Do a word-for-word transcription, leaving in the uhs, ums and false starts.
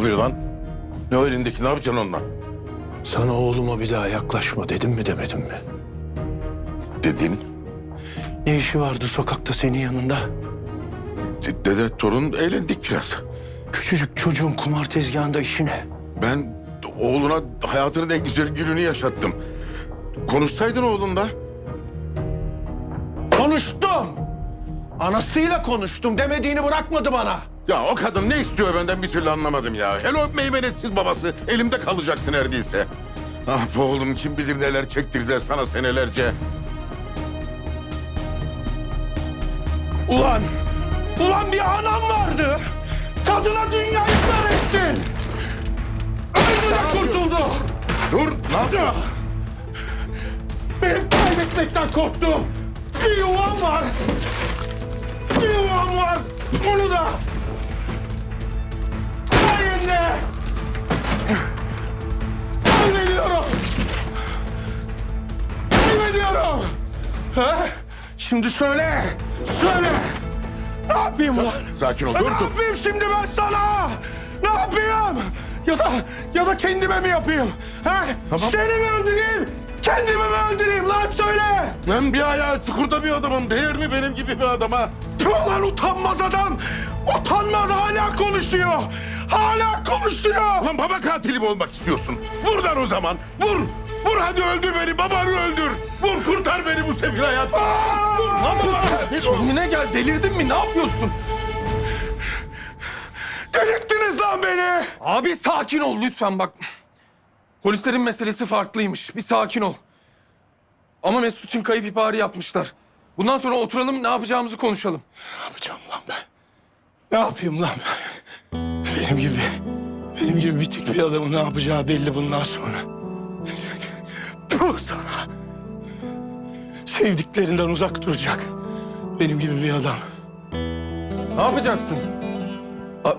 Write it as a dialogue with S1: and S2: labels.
S1: yapıyor lan? Ne o elindeki, ne yapacaksın onunla?
S2: Sana oğluma bir daha yaklaşma dedim mi demedim mi?
S1: Dedin.
S2: Ne işi vardı sokakta senin yanında?
S1: De- dede torun eğlendik biraz.
S2: Küçücük çocuğun kumar tezgahında işi ne?
S1: Ben oğluna hayatının en güzel gününü yaşattım. Konuşsaydın oğlunla.
S2: Konuştum. Anasıyla konuştum. Demediğini bırakmadı bana.
S1: Ya o kadın ne istiyor benden bir türlü anlamadım ya. Hele o meymenetsiz babası elimde kalacaktı neredeyse. Ah bu oğlum kim bilir neler çektirdiler sana senelerce.
S2: Ulan, ulan bir anam vardı. Kadına dünyayı dar ettin. Öldü de kurtuldu.
S1: Dur, ne yapıyorsun?
S2: Benim kaybetmekten korktuğum bir yuvam var. Bir yuvam var. Onu da sayende kaybediyorum. Kaybediyorum. Ha? Şimdi söyle. Söyle. Ne yapayım ulan?
S1: Sakin ol,
S2: Ne
S1: dur dur.
S2: yapayım şimdi ben sana? Ne yapayım? Ya da ya da kendime mi yapayım? Ha?
S1: Tamam.
S2: Seni mi öldüreyim? Kendimi mi öldüreyim lan söyle.
S1: Ben bir ayağı çukurda bir adamım. Değer mi benim gibi bir adama?
S2: Tüh lan utanmaz adam. Utanmaz hala konuşuyor. Hala konuşuyor.
S1: Lan baba katili mi olmak istiyorsun? Vur lan o zaman. Vur. Vur hadi öldür beni. Babanı öldür. Vur kurtar beni bu sefil hayattan. Vur.
S2: Ne yapıyorsun?
S1: Katil ol.
S2: Kendine gel delirdin mi? Ne yapıyorsun? Delirttiniz lan beni. Abi sakin ol lütfen bak. Polislerin meselesi farklıymış. Bir sakin ol. Ama Mesut için kayıp ihbarı yapmışlar. Bundan sonra oturalım ne yapacağımızı konuşalım.
S3: Ne yapacağım lan ben? Ne yapayım lan ben? Benim gibi, benim gibi bitik bir adamın ne yapacağı belli bundan sonra. Puh sana. Sevdiklerinden uzak duracak. Benim gibi bir adam.
S2: Ne yapacaksın? A-